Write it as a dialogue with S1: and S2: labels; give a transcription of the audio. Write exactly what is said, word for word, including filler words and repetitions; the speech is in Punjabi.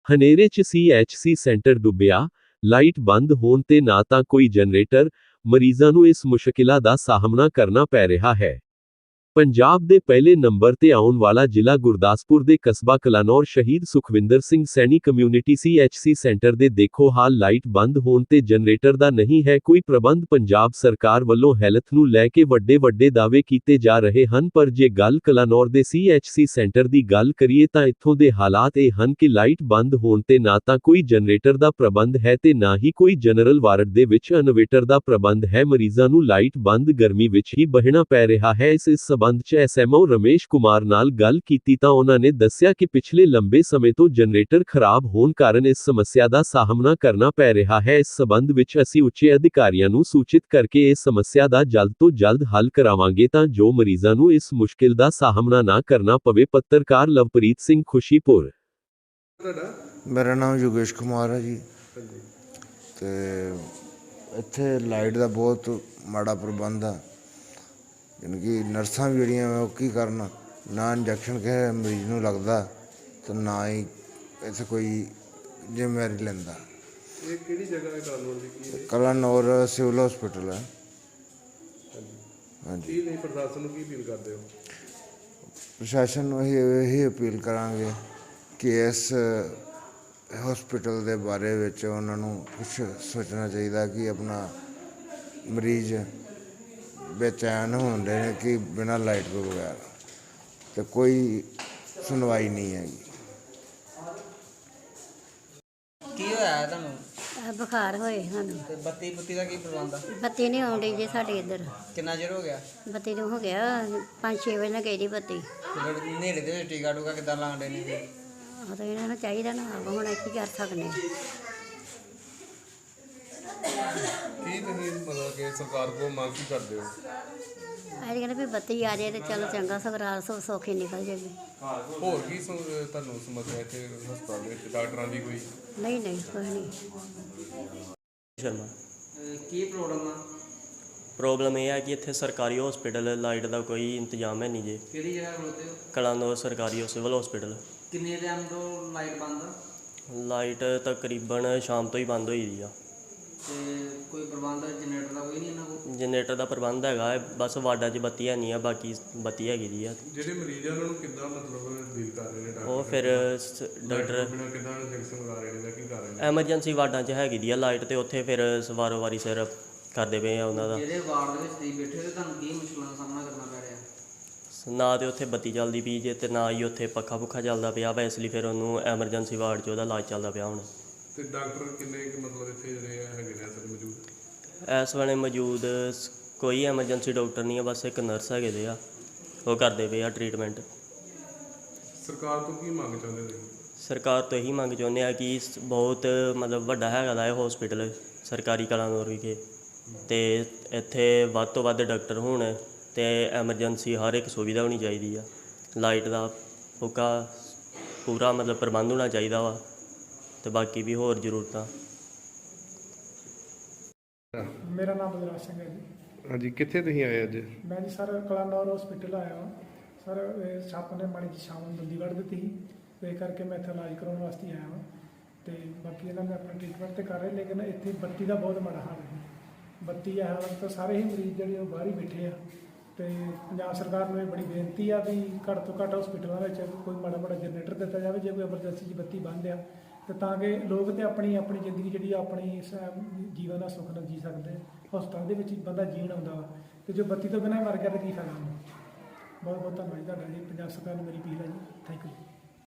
S1: ਹਨੇਰੇ 'ਚ ਸੀ ਐਚ ਸੀ ਸੈਂਟਰ ਡੁੱਬਿਆ, ਲਾਈਟ ਬੰਦ ਹੋਣ ਤੇ ਨਾ ਤਾਂ ਕੋਈ ਜਨਰੇਟਰ, ਮਰੀਜ਼ਾਂ ਨੂੰ ਇਸ ਮੁਸ਼ਕਿਲਾਂ ਦਾ ਸਾਹਮਣਾ ਕਰਨਾ ਪੈ ਰਿਹਾ ਹੈ। ਪੰਜਾਬ ਦੇ ਪਹਿਲੇ ਨੰਬਰ ਤੇ ਆਉਣ ਵਾਲਾ ਜ਼ਿਲ੍ਹਾ ਗੁਰਦਾਸਪੁਰ ਦੇ ਕਸਬਾ ਕਲਾਨੌਰ ਸ਼ਹੀਦ Sukhwinder Singh Saini community C H C centre ਦੇ ਦੇਖੋ ਹਾਲ ਲਾਈਟ ਬੰਦ ਹੋਣ ਤੇ ਜਨਰੇਟਰ ਦਾ ਨਹੀਂ ਹੈ ਕੋਈ ਪ੍ਰਬੰਧ ਪੰਜਾਬ ਸਰਕਾਰ ਵੱਲੋਂ ਹੈਲਥ ਨੂੰ ਲੈ ਕੇ ਵੱਡੇ ਵੱਡੇ ਦਾਅਵੇ ਕੀਤੇ ਜਾ ਰਹੇ ਹਨ ਪਰ ਜੇ ਗੱਲ ਕਲਾਨੌਰ ਦੇ ਸੀ ਐਚ ਸੀ ਸੈਂਟਰ ਦੀ ਗੱਲ ਕਰੀਏ ਤਾਂ ਇੱਥੋਂ ਦੇ ਹਾਲਾਤ ਇਹ ਹਨ ਕਿ ਲਾਈਟ ਬੰਦ ਹੋਣ ਤੇ ਨਾ ਤਾਂ ਕੋਈ ਜਨਰੇਟਰ ਦਾ ਪ੍ਰਬੰਧ ਹੈ ਤੇ ਨਾ ਹੀ ਕੋਈ ਜਨਰਲ ਵਾਰਡ ਦੇ ਵਿੱਚ ਇਨਵੇਟਰ ਦਾ ਪ੍ਰਬੰਧ ਹੈ ਮਰੀਜ਼ਾਂ ਨੂੰ ਲਾਈਟ ਬੰਦ ਗਰਮੀ ਵਿੱਚ ਹੀ ਬਹਿਣਾ ਪੈ ਰਿਹਾ ਹੈ ਇਸ ਇਸ ਸਬੰਧ 'ਚ S M O Ramesh Kumar ਨਾਲ ਗੱਲ ਕੀਤੀ ਤਾਂ ਉਹਨਾਂ ਨੇ ਦੱਸਿਆ ਕਿ ਪਿਛਲੇ ਲੰਬੇ ਸਮੇਂ ਤੋਂ ਜਨਰੇਟਰ ਖਰਾਬ ਹੋਣ ਕਾਰਨ ਇਸ ਸਮੱਸਿਆ ਦਾ ਸਾਹਮਣਾ ਕਰਨਾ ਪੈ ਰਿਹਾ ਹੈ ਇਸ ਸਬੰਧ ਵਿੱਚ ਅਸੀਂ ਉੱਚੇ ਅਧਿਕਾਰੀਆਂ ਨੂੰ ਸੂਚਿਤ ਕਰਕੇ ਇਸ ਸਮੱਸਿਆ ਦਾ ਜਲਦ ਤੋਂ ਜਲਦ ਹੱਲ ਕਰਾਵਾਂਗੇ ਤਾਂ ਜੋ ਮਰੀਜ਼ਾਂ ਨੂੰ ਇਸ ਮੁਸ਼ਕਿਲ ਦਾ ਸਾਹਮਣਾ ਨਾ ਕਰਨਾ ਪਵੇ ਪੱਤਰਕਾਰ ਲਵਪ੍ਰੀਤ ਸਿੰਘ ਖੁਸ਼ੀਪੁਰ।
S2: ਮੇਰਾ ਨਾਮ ਯੋਗੇਸ਼ ਕੁਮਾਰ ਹੈ ਜੀ ਤੇ ਇੱਥੇ ਲਾਈਟ ਦਾ ਬਹੁਤ ਮਾੜਾ ਪ੍ਰਬੰਧ ਆ ਯਾਨੀ ਕਿ ਨਰਸਾਂ ਵੀ ਜਿਹੜੀਆਂ ਉਹ ਕੀ ਕਰਨ ਨਾ ਇੰਜੈਕਸ਼ਨ ਕਿਸੇ ਮਰੀਜ਼ ਨੂੰ ਲੱਗਦਾ ਤੇ ਨਾ ਹੀ ਇੱਥੇ ਕੋਈ ਜ਼ਿੰਮੇਵਾਰੀ ਲੈਂਦਾ।
S3: ਇਹ ਕਿਹੜੀ ਜਗ੍ਹਾ ਹੈ ਕਲਾਨੌਰ ਦੀ ਕੀ ਹੈ?
S2: ਕਲਾਨੌਰ ਸਿਵਲ ਹਸਪੀਟਲ ਹੈ। ਹਾਂਜੀ
S3: ਕੀ ਨਹੀਂ ਪ੍ਰਸ਼ਾਸਨ ਨੂੰ ਕੀ ਅਪੀਲ ਕਰਦੇ ਹੋ?
S2: ਪ੍ਰਸ਼ਾਸਨ ਨੂੰ ਅਸੀਂ ਇਹੀ ਅਪੀਲ ਕਰਾਂਗੇ ਕਿ ਇਸ ਹਸਪੀਟਲ ਦੇ ਬਾਰੇ ਵਿੱਚ ਉਹਨਾਂ ਨੂੰ ਕੁਛ ਸੋਚਣਾ ਚਾਹੀਦਾ ਕਿ ਆਪਣਾ ਮਰੀਜ਼ ਬੇਚੈਨ ਹੁੰਦੇ ਨੇ ਕਿ ਬਿਨਾਂ ਲਾਈਟ ਤੋਂ ਬਗੈਰ ਤੇ ਕੋਈ ਸੁਣਵਾਈ ਨਹੀਂ ਹੈਗੀ।
S4: ਕੀ ਹੋਇਆ ਤੁਹਾਨੂੰ?
S5: ਆਹ ਬੁਖਾਰ ਹੋਏ ਸਾਨੂੰ
S4: ਤੇ ਬੱਤੀ ਬੁੱਤੀ ਦਾ ਕੀ ਪ੍ਰਬੰਧ ਆ?
S5: ਬੱਤੀ ਨਹੀਂ ਆਉਂਦੀ ਜੇ ਸਾਡੇ ਇੱਧਰ।
S4: ਕਿੰਨਾ ਚਿਰ ਹੋ ਗਿਆ?
S5: ਬੱਤੀ ਨੂੰ ਹੋ ਗਿਆ ਪੰਜ ਛੇ ਵਜੇ ਨਾਲ ਗਈ ਦੀ ਬੱਤੀ।
S4: ਤੇ ਫਿਰ ਨੇੜੇ ਦੇ ਵਿੱਚ ਟੀਕਾ ਟੂਕਾ ਕਿੱਦਾਂ ਲਾਉਂਦੇ ਨੇ ਜੀ?
S5: ਉਹ ਤਾਂ ਇਹਨਾਂ ਨੂੰ ਚਾਹੀਦਾ ਨਾ ਆਪ ਹੁਣ ਕੀ ਕਰ ਸਕਦੇ ਹਾਂ।
S3: ਕੀ ਤੁਸੀਂ ਮਤਲਬ ਕਿ ਸਰਕਾਰ ਕੋਲ ਮੰਗ ਕੀ ਕਰਦੇ ਹੋ?
S5: ਅਸੀਂ ਕਹਿੰਦੇ ਵੀ ਬੱਤੀ ਆ ਜਾਏ ਤੇ ਚਲੋ ਚੰਗਾ ਸਗਰਾਲ ਸੌ ਸੌਖੀ ਨਿਕਲ ਜਾਵੇ।
S3: ਹੋਰ ਕੀ ਸਮ- ਤੁਹਾਨੂੰ ਸਮੱਸਿਆ ਇੱਥੇ ਹਸਪਤਾਲ ਦੇ ਵਿੱਚ ਡਾਕਟਰਾਂ ਦੀ ਕੋਈ?
S5: ਨਹੀਂ ਨਹੀਂ ਕੁਛ ਨਹੀਂ।
S6: ਸ਼ਰਮਾ
S4: ਕੀ ਪ੍ਰੋਬਲਮ ਆ?
S6: ਪ੍ਰੋਬਲਮ ਇਹ ਹੈ ਕਿ ਇੱਥੇ ਸਰਕਾਰੀ ਹਸਪੀਟਲ ਲਾਈਟ ਦਾ ਕੋਈ ਇੰਤਜ਼ਾਮ ਹੈ ਨਹੀਂ ਜੇ।
S4: ਕਿਹੜੀ ਜਗ੍ਹਾ ਖਲੋਤੇ ਹੋ?
S6: ਕਲਾਨੌਰ ਸਰਕਾਰੀ ਸਿਵਲ ਹਸਪੀਟਲ।
S4: ਕਿੰਨੇ ਟਾਈਮ ਤੋਂ ਲਾਈਟ ਬੰਦ ਆ?
S6: ਲਾਈਟ ਤਕਰੀਬਨ ਸ਼ਾਮ ਤੋਂ ਹੀ ਬੰਦ ਹੋਈ ਦੀ ਆ।
S4: ਤੇ ਕੋਈ ਪ੍ਰਬੰਧ ਜਨਰੇਟਰ ਦਾ ਕੋਈ ਨਹੀਂ ਇਹਨਾਂ ਕੋਲ?
S6: ਜਨਰੇਟਰ ਦਾ ਪ੍ਰਬੰਧ ਹੈਗਾ ਹੈ, ਬਸ ਵਾਰਡਾਂ 'ਚ ਬੱਤੀ ਹੈ ਨਹੀਂ ਆ, ਬਾਕੀ ਬੱਤੀ ਹੈਗੀ ਦੀ ਆ।
S3: ਜਿਹੜੇ ਮਰੀਜ਼ ਆ ਉਹਨਾਂ ਨੂੰ ਕਿੱਦਾਂ ਮਤਲਬ ਡੀਲ ਕਰ ਰਹੇ ਨੇ ਡਾਕਟਰ?
S6: ਉਹ ਫਿਰ ਸ- ਡਾਕਟਰ
S3: ਬਿਨਾਂ ਕਿੱਦਾਂ ਇੰਜੈਕਸ਼ਨ ਲਗਾ ਰਹੇ ਨੇ ਜਾਂ ਕੀ ਕਰ ਰਹੇ ਨੇ?
S6: ਐਮਰਜੈਂਸੀ ਵਾਰਡਾਂ 'ਚ ਹੈਗੀ ਦੀ ਆ ਲਾਈਟ ਤੇ ਉੱਥੇ ਫਿਰ ਵਾਰੋ ਵਾਰੀ ਸਿਰ ਕਰਦੇ ਪਏ ਆ ਉਹਨਾਂ ਦਾ।
S4: ਜਿਹੜੇ ਵਾਰਡ ਦੇ ਵਿੱਚ ਤੁਸੀਂ ਬੈਠੇ ਹੋ ਤੇ ਤੁਹਾਨੂੰ ਕੀ ਮੁਸ਼ਕਲਾਂ ਦਾ ਸਾਹਮਣਾ ਕਰਨਾ ਪੈ ਰਿਹਾ?
S6: ਨਾ ਤੇ ਉੱਥੇ ਬੱਤੀ ਚੱਲਦੀ ਪਈ ਜੇ ਤੇ ਨਾ ਹੀ ਉੱਥੇ ਪੱਖਾ ਪੁੱਖਾ ਚੱਲਦਾ ਪਿਆ ਵਾ, ਇਸ ਲਈ ਫਿਰ ਉਹਨੂੰ ਐਮਰਜੈਂਸੀ ਵਾਰਡ 'ਚ ਉਹਦਾ ਇਲਾਜ ਚੱਲਦਾ ਪਿਆ ਹੁਣ।
S3: ਤੇ ਡਾਕਟਰ ਕਿੰਨੇ ਕੁ ਮਤਲਬ ਇੱਥੇ ਜਿਹੜੇ ਹੈਗੇ ਨੇ ਅਸਲ ਮੌਜੂਦ?
S6: ਇਸ ਵੇਲੇ ਮੌਜੂਦ ਸ- ਕੋਈ ਐਮਰਜੈਂਸੀ ਡਾਕਟਰ ਨਹੀਂ ਆ, ਬਸ ਇੱਕ ਨਰਸ ਹੈਗੇ ਦੇ ਆ, ਉਹ ਕਰਦੇ ਪਏ ਆ ਟਰੀਟਮੈਂਟ।
S3: ਸਰਕਾਰ ਤੋਂ ਕੀ ਮੰਗ ਚਾਹੁੰਦੇ ਤੁਸੀਂ?
S6: ਸਰਕਾਰ ਤੋਂ ਇਹੀ ਮੰਗ ਚਾਹੁੰਦੇ ਆ ਕਿ ਸ- ਬਹੁਤ ਮਤਲਬ ਵੱਡਾ ਹੈਗਾ ਦਾ ਇਹ ਹਸਪੀਟਲ ਸਰਕਾਰੀ ਕਲਾਨੌਰ ਵਿਖੇ ਅਤੇ ਇੱਥੇ ਵੱਧ ਤੋਂ ਵੱਧ ਡਾਕਟਰ ਹੋਣ ਅਤੇ ਐਮਰਜੈਂਸੀ ਹਰ ਇੱਕ ਸੁਵਿਧਾ ਹੋਣੀ ਚਾਹੀਦੀ ਆ। ਲਾਈਟ ਦਾ ਪੂਰਾ ਪੂਰਾ ਮਤਲਬ ਪ੍ਰਬੰਧ ਹੋਣਾ ਚਾਹੀਦਾ ਵਾ ਅਤੇ ਬਾਕੀ ਵੀ ਹੋਰ ਜ਼ਰੂਰਤਾਂ।
S7: ਮੇਰਾ ਨਾਮ ਬਲਰਾਜ ਸਿੰਘ ਹੈ ਜੀ।
S3: ਹਾਂਜੀ, ਕਿੱਥੇ ਤੁਸੀਂ ਆਏ ਅੱਜ?
S7: ਮੈਂ ਜੀ ਸਰ ਕਲਾਨੌਰ ਹਸਪੀਟਲ ਆਇਆ ਹਾਂ ਸਰ। ਇਹ ਸੱਪ ਨੇ ਮਾੜੀ ਜਿਹੀ ਸ਼ਾਮ ਨੂੰ ਦੰਦੀ ਵੱਢ ਦਿੱਤੀ ਸੀ ਤੇ ਇਹ ਕਰਕੇ ਮੈਂ ਇੱਥੇ ਇਲਾਜ ਕਰਾਉਣ ਵਾਸਤੇ ਆਇਆ ਹਾਂ ਤੇ ਬਾਕੀ ਇਹਨਾਂ ਨੇ ਆਪਣਾ ਟ੍ਰੀਟਮੈਂਟ ਤੇ ਕਰ ਰਹੇ ਲੇਕਿਨ ਇੱਥੇ ਬੱਤੀ ਦਾ ਬਹੁਤ ਮਾੜਾ ਹਾਲ ਹੈ। ਬੱਤੀ ਆ ਹਾਲ ਤਾਂ ਸਾਰੇ ਹੀ ਮਰੀਜ਼ ਜਿਹੜੇ ਉਹ ਬਾਹਰ ਹੀ ਬੈਠੇ ਆ ਤੇ ਪੰਜਾਬ ਸਰਕਾਰ ਨੂੰ ਇਹ ਬੜੀ ਬੇਨਤੀ ਆ ਵੀ ਘੱਟ ਤੋਂ ਘੱਟ ਹਸਪੀਟਲਾਂ ਵਿੱਚ ਕੋਈ ਮਾੜਾ ਮਾੜਾ ਜਨਰੇਟਰ ਦਿੱਤਾ ਜਾਵੇ ਜੇ ਕੋਈ ਐਮਰਜੈਂਸੀ 'ਚ ਬੱਤੀ ਬੰਦ ਆ ਤੇ ਤਾਂ ਕਿ ਲੋਕ ਤੇ ਆਪਣੀ ਆਪਣੀ ਜ਼ਿੰਦਗੀ ਜਿਹੜੀ ਆ ਆਪਣੀ ਇਸ ਜੀਵਨ ਦਾ ਸੁੱਖ ਨਾਲ ਜੀ ਸਕਦੇ। ਹਸਪਤਾਲ ਦੇ ਵਿੱਚ ਹੀ ਬੰਦਾ ਜੀਣ ਆਉਂਦਾ ਵਾ ਤੇ ਜੋ ਬੱਤੀ ਤੋਂ ਬਿਨਾਂ ਮਰ ਗਿਆ ਤਾਂ ਕੀ ਫਾਇਦਾ ਹੁੰਦਾ। ਬਹੁਤ ਬਹੁਤ ਧੰਨਵਾਦ ਤੁਹਾਡਾ ਜੀ। ਪੰਜਾਬ ਸਰਕਾਰ ਨੂੰ ਮੇਰੀ ਅਪੀਲ ਹੈ ਜੀ। Thank you.